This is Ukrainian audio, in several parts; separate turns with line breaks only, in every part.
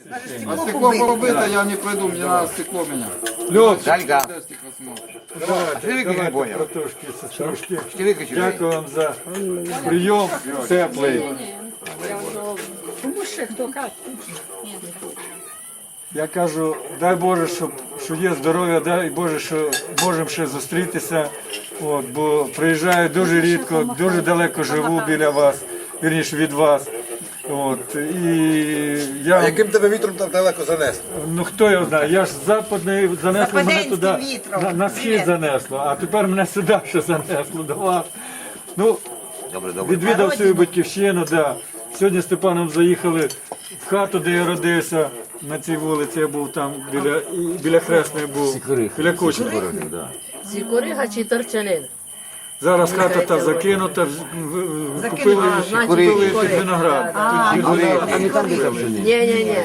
А стекло побито, я не пойду, мне надо стекло меня.
Льот,
Далька.
давайте,
Ти
давайте,
поняв?
братушки, сеструшки.
Ти виключив?
Дякую вам за прийом теплий.
Тому що хто каже.
Я кажу, дай Боже, що є здоров'я, дай Боже, що можемо ще зустрітися. От, бо приїжджаю дуже рідко, дуже далеко живу біля вас, вірніше від вас. От, і я,
Яким тебе вітром там далеко занесло?
ну хто його знає, я ж з западної занесло мене туди,
вітром.
на схід занесло, а тепер мене сюди ще занесло до вас. Ну,
Добре, добре.
відвідав свою батьківщину, да. Сьогодні з Степаном заїхали в хату, де я родився, на цій вулиці я був там, біля Хресної був, біля Кучми.
Сікорига чи торчанин?
Зараз хата та закинута, купили під виноград.
А не там, де там жені?
Ні.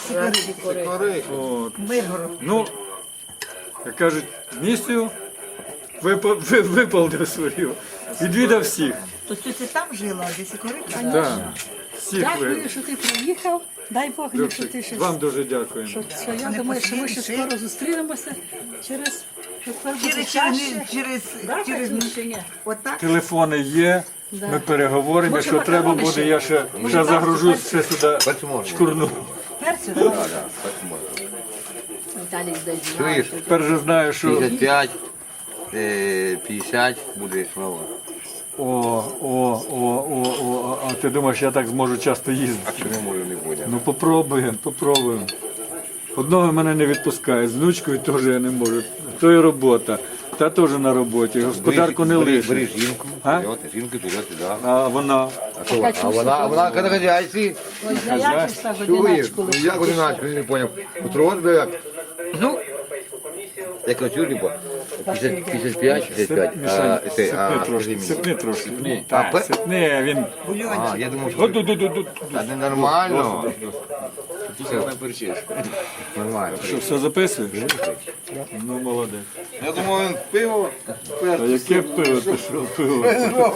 От. Ну, як кажуть, місію виповнив свою, відвідав всіх.
Тобто ти там жила, а десь корик?
Да. Всіх
Дякую, що ти приїхав. Дай Бог, що ти ще.
Вам дуже дякуємо.
Що я думаю, що ми ще скоро зустрінемося через
Через отак.
Телефони є, ми переговоримо, якщо треба буде, я ще загружусь, ще сюди шкурну.
перцю.
Віталій десь
Чуєш?
Тепер же знаю, що
55, 50 буде знову.
а ти думаєш, я так зможу часто їздити?
Чи не можу, не буде?
Ну попробуємо. Одного мене не відпускає, з внучкою теж я не можу. То і робота, та теж на роботі, господарку не
Бери
лише.
жінку,
А?
жінку вперед, да.
А вона?
А вона на хазяйстві. Чуєш? Ну як одиначку, я не поняв. Утрон, бля, як? Ну, як на чур, типу, 55, 65.
Сипни трошки.
А,
Сипни, він...
А, я думав, що... Та не нормально. Нормально.
Що, все записуєш? Ну, молодець.
Я думав, він пиво.
А яке пиво? Ти що, пиво?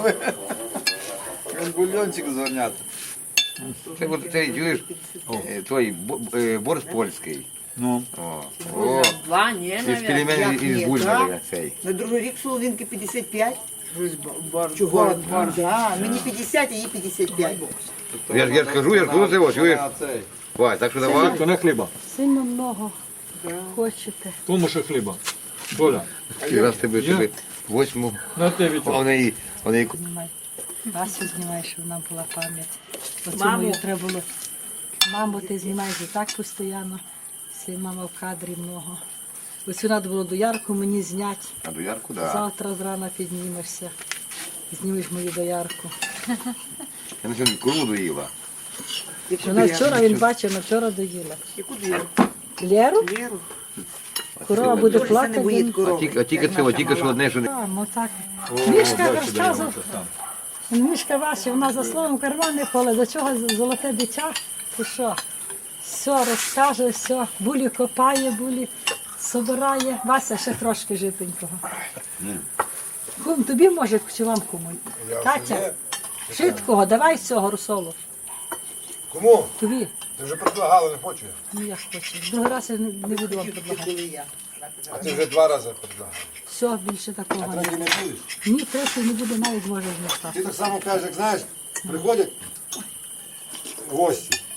Він бульончик зверняти.
Це, чуєш, той борщ польський.
Ну,
О,
Два, ні,
із пельменів із бульбами цей.
На другий рік соловінки 55. Чого? Да, мені 50, а їй 55.
Я ж кажу, це ось, чуєш?
А цей.
Вась, так що давай.
то не хліба.
Сильно много хочете.
Кому ще хліба? Боля,
Раз тебе восьму,
на те
а
вітер.
в неї,
Знімай. Васю знімай, щоб вона була пам'ять. Оцю мою треба було. Маму ти знімаєш і так постійно. Всі мама в кадрі много. Оцю треба було доярку мені зняти.
а до ярку, да.
Завтра зрана піднімешся. Знімеш мою доярку.
Я на сьогодні куру доїла.
Вона вчора, він бачив, вона вчора доїла.
Яку двірку?
Лєру?
Леру.
Корова буде
Це не
плакати.
боїть
він-
корови.
А тільки цього, тільки що одне, що не...
Там, отак. Мішка розказував. Мішка Вася, вона за словом карман не поле. До чого золоте дитя? Ти що? Все розкаже, все. Булі копає, булі собирає. Вася ще трошки житенького. Кум, тобі може, чи вам кому? Катя, швидкого, давай цього русолу.
Кому?
Тобі.
Ти вже предлагала, не хочу.
Ну я ж хочу. Другий раз я не буду вам предлагати.
А ти вже 2 рази предлагала.
Все, більше такого не
Третій
буде.
не будеш?
Ні, третій не буде, навіть може змістати.
Ти так само кажеш, як знаєш, приходять гості.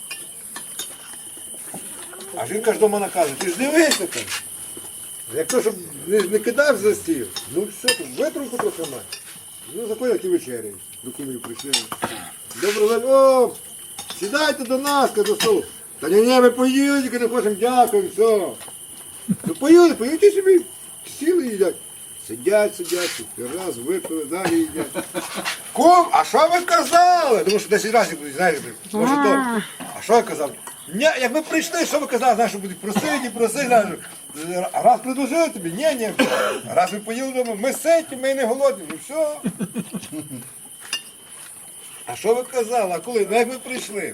А жінка ж до мене каже, ти ж дивися там. Якщо щоб не кидав за стіл, ну все, тут витримку трохи має. Ну заходять і вечеряють. До кумів прийшли. Добрий день, о, сідайте до нас, до столу. Та ні, ми поїли, тільки не хочемо, дякуємо, все. Ну поїли, поїдьте собі, сіли і їдять. Сидять, раз, випили, далі їдять. Кум, а що ви казали? Тому що 10 разів будуть, знаєш, може то. А що я казав? Ні, як ми прийшли, що ви казали, знаєш, що будуть просити, знаєш. Раз предложили тобі, ні. Раз ми поїли вдома, ми ситі, ми не голодні, ну все. А що ви казали? А коли? Ну як ми прийшли?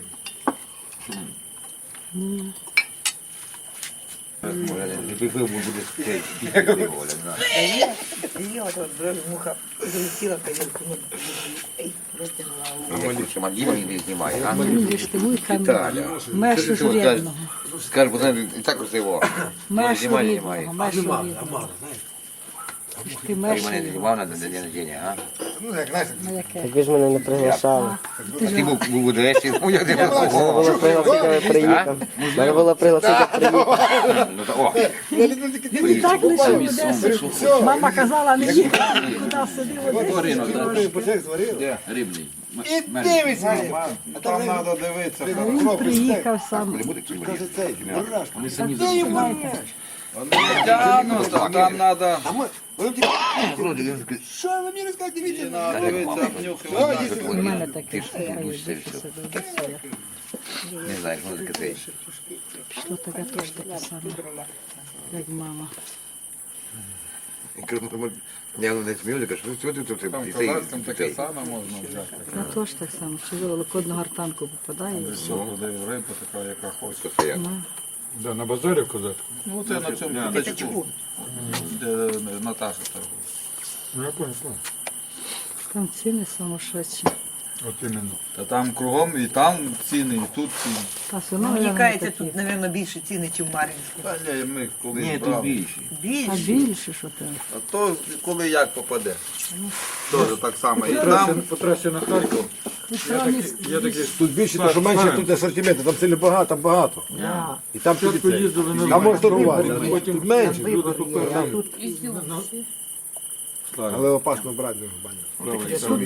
Не пив, буде цей, піти, Оля, да.
Її от муха залетіла в тарілку.
Діма не знімає, а?
Видиш, ти вуйка
Віталя.
межу журебного.
Скажи, пацан, і так красиво.
Межу
Знімає,
рідного,
знімає.
межу рідного. Ти
Ти
межу
мене не
рідного.
знімав на день народження, а?
Ну, як знаєш,
Ну, яке?
Так ви ж мене не приглашали.
А ти був у Одесі, ну як ти
Треба було пригласити, я приїхав. Треба було пригласити, я приїхав.
Ну, то, о,
Він і так лишив Одесу. Мама казала, не їхати, куди сидів в Одесі.
почек зварили.
Рибний.
І дивиться. А
Там
там
треба дивитися.
Він приїхав сам.
каже цей, бурашка.
Тягнуть, а там треба
А ми, вони тільки, що ви мені розказуєте, дивіться.
дивитися, обнюхувати.
У мене таке
Ти ж будеш все. Не знаєш, може таке.
пішло таке теж таке саме, як мама.
Я не смію, кажу, що ти тут
Там козацьким таке саме можна взяти.
Я теж так само, що ви великодну гартанку попадає. і все.
Продаю рибу, така, яка хоче.
Да, на базарі в козацьку.
Ну це на цьому п'ятачку, де Наташа торгує.
Ну, я понял.
Там ціни сумасшедші.
От іменно.
Та там кругом і там ціни, і тут ціни.
А все одно,
Мені
мабуть,
кажеться,
такі.
тут, мабуть, більше ціни, ніж в Мар'їнську.
Та ні, ми колись
Ні, тут
брали.
більше.
А
Більше.
більше, що там?
А то коли як попаде. Теж так само. І там
По трасі на Харків. Я такий
Тут більше, тому що менше тут асортименту, там сильно багато, там багато. І там тобі це.
поїздили на
Там можна торгувати,
потім
тут менше.
люди купили.
Але опасно брати не в баню.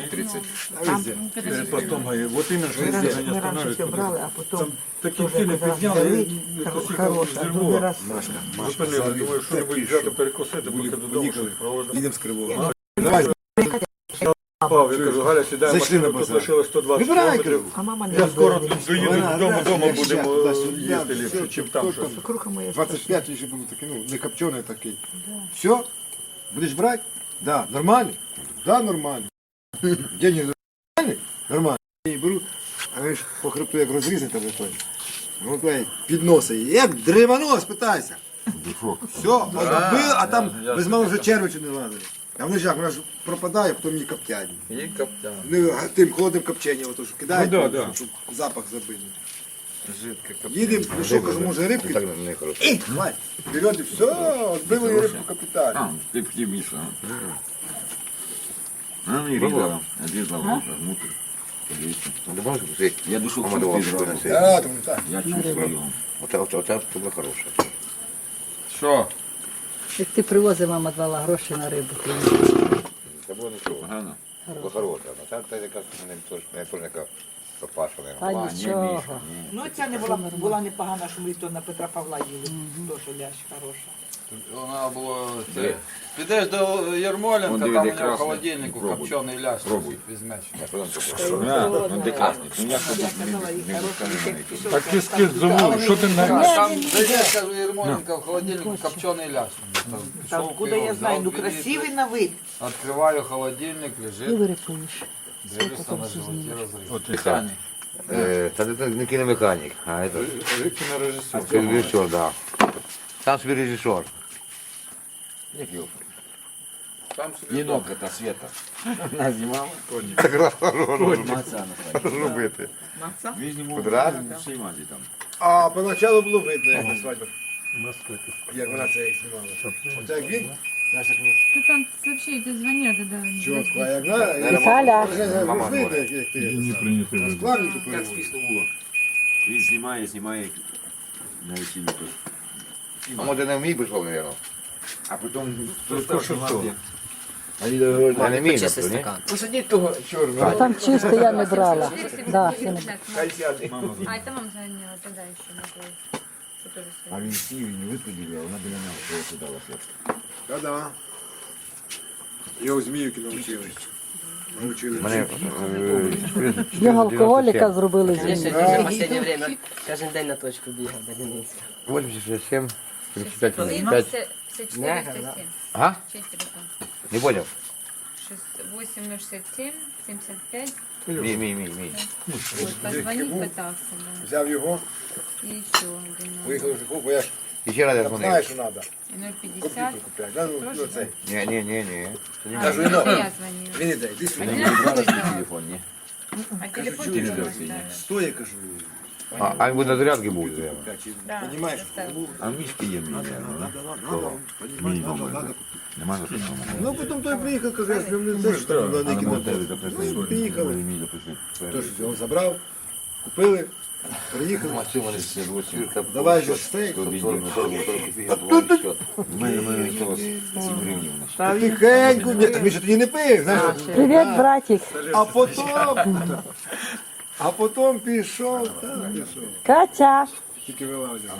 Потом, вот именно, что если они
Ми раніше все
остановятся.
брали, а потім
Такие ціни підняли,
хороша, а другий раз
зупинили, думаю, що небудь взяти перекусити, поки додому проводили.
Їдемо з Кривого. Давай,
Пав, я кажу, Галя, сідає
Зайшли
машину,
на
тут
базар.
лишилось 120
Вибирай,
кілометрів.
а мама не
Я скоро
робила.
тут доїду додому, вдома будемо їсти ліпше, чим там щось.
Круха моя.
25 ще був такий, ну, не копчений такий. Все? Будеш брати? Да. Нормально? Да, нормально. Деньги нормальні? Нормально. Я її беру, а ви ж по хребту як розрізати там той. Ну, той підносить. Як древонос, питайся. Все, отбив, а там без мало вже червичу не лазить. А вони ж як, вона ж пропадає, потім її коптять.
і коптян.
Ну, тим холодним копченням, ото ж кидають,
Ну, да.
щоб запах забити.
Жидке
Їдемо, ну що, кажу, може рибки?
Так не хорошо.
І, хватить. Берет і все, отбили і рибку капітально.
Ты птимиша. Она не різала, різала внутрь. Я душу
Да, там так.
Я чувствую.
Оце було хороше.
Що?
Як ти привозив, мама давала гроші на рибу.
Це було нічого.
Погано.
Було хороше. А це якась не теж яка пропашена.
Та нічого.
Ну, ця не була непогана, що ми то на Петра Павла їли. Тоже лящ хороша.
Вона була це. Підеш до Ярмоленка,
Он
там у
дивіться,
нього в
красний.
холодильнику
Пробуй.
копчений лящ візьмеш.
Ну ти класний. Ну я
Я казала, їй хороша, як пішов.
Так кис замовив, що ти на...
Там зайдеш, кажу, Ярмоленка, в холодильнику копчений лящ.
Та откуда я знаю, ну красивий на вид.
Відкриваю холодильник,
І
лежить,
вирипуєш.
дивлюся на животі розрив.
От і
Писані.
Це не кіномеханік, а це
кінорежисер.
режисер, да. Сам собі режисер.
Як його?
Там собі
Енок это Света. Она знімала.
Так раз
Маця
робити.
Маца?
Він знімав
Квадрат?
всій маті там.
А поначалу було видно, як на свадьбі. Як вона це як знімала. Оце як він, знаєш, як ну,
Тут там вообще эти звонят, да.
чітко, а як вона,
Віталя.
як видно, як ти.
Не прийнятий вид.
Складненько
Як
переводить.
спісно було. Він знімає на весіллі тут.
А може не вмій пішов, мабуть.
А потім
То що то?
А не вмій, ні?
посадіть того чорного.
А там чисто я не брала. Да, я не...
Хай сяде.
А, это мама звонила тогда еще на той. Что тоже
А він сів і не виходив, а вона біля нього просто дала хлопця.
Та-да. Його зміюки навчили. Навчили.
Мене
Його алкоголіка зробили з
Я
ним.
ще в останнє время кожен день на точку бігав до Дениса.
87, 35,
было.
75.
54, 107.
Ага,
Чей телефон?
не понял.
8067, 75.
Мій.
Вот, позвонить пытался, да.
Взяв його,
И еще один.
виїхав в Жиху, бо я ж
І ще раз я
там
дзвонив.
знаєш, що треба.
И 050.
Комп'ютер купляти. Да, ну цей.
Ні.
А,
Кажу,
это
ну.
я звонила.
Він іде, йди сюди.
Один раз
Брала свій
вызывала.
телефон, ні?
А телефон не можна.
Сто, я кажу.
А він буде на зарядки був.
Понімаєш?
А в мішки є мій, мій номер. Нема за що.
Ну, потім той приїхав, каже, я з ним не це, що там на деякі Ну, приїхали. Тож його забрав, купили, приїхали. Давай же стейк. Тихенько, ні, так він ще тоді не пив, знаєш.
Привіт, братик.
А потім пішов, так, пішов.
Катя.
Тільки вилазив.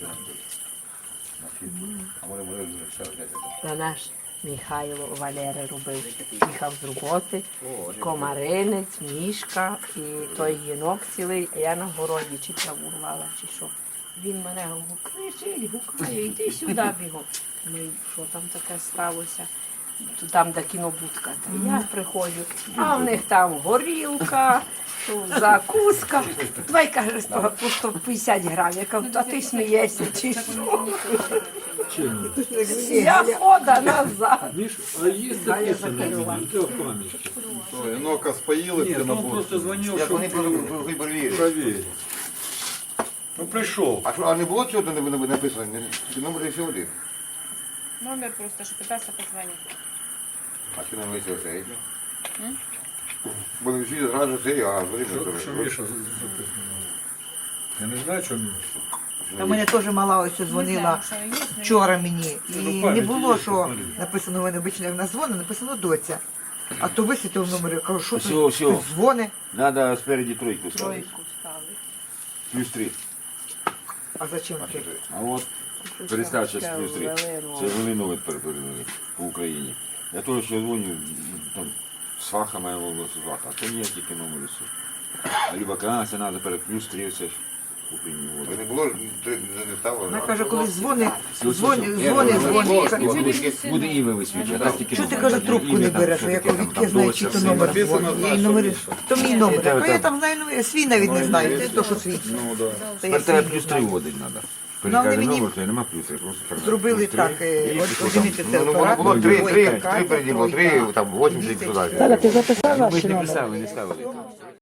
На наш Михайло Валери робив. Їхав з роботи, комаринець, мішка і той єнок цілий, а я на городі чи траву рвала, чи що. Він мене кричить, гукає, йди сюди бігом. Ну і що там таке сталося? Там, де кінобудка. Та я приходжу, а в них там горілка, закуска. Давай, каже, по 150 грамів. Я кажу, а ти смієшся, чи що? Я хода назад.
А є
таке запалював.
Інока споїли, ти на
Просто дзвонив,
Як
що
вони перевірили.
провірив. Ну прийшов.
А що, а не було цього там написано? Чи номер і все один?
Номер просто, що питався позвонити.
А що нам вийшло це? Бо всі зразу це, а
Що Міша записано? Я не знаю, що Міша.
А мене теж мала ось дзвонила вчора мені. І не було, що написано в мене обично, як на дзвони, написано доця. А то висвітив номер, я кажу, що тут хтось дзвони,
Надо спереді тройку ставити.
Тройку ставить.
Плюс 3.
а зачем ти?
А от перестав зараз плюс 3. Це Волинове перепередили по Україні. Я теж ще дзвоню, там, сваха моя волосся сваха, а то ні, тільки номер все. А либо це треба перед плюс 3, це ж Україні воду.
не було, не ставили.
Вона каже, коли дзвони,
Буде ім'я висвічувати, а тільки
Що ти,
номер.
каже, трубку не береш? Я кажу, відки я знаю, чи то номер дзвонить. Я їй номер, то мій номер. Я кажу, я там знаю, номер, свій навіть не знаю, це то, що свій.
Тепер треба плюс 3 водить треба.
вони
Перекаже
мені
номер, то й нема плюс, я просто передав.
Зробили
Плюс 3.
так, одягнути це
Ну,
апарат.
було 3,
ой,
3,
така,
3 переді було 3, там 80 туди.
Ти записав
Ми
ваш
ж не
номер?
писали, не ставили.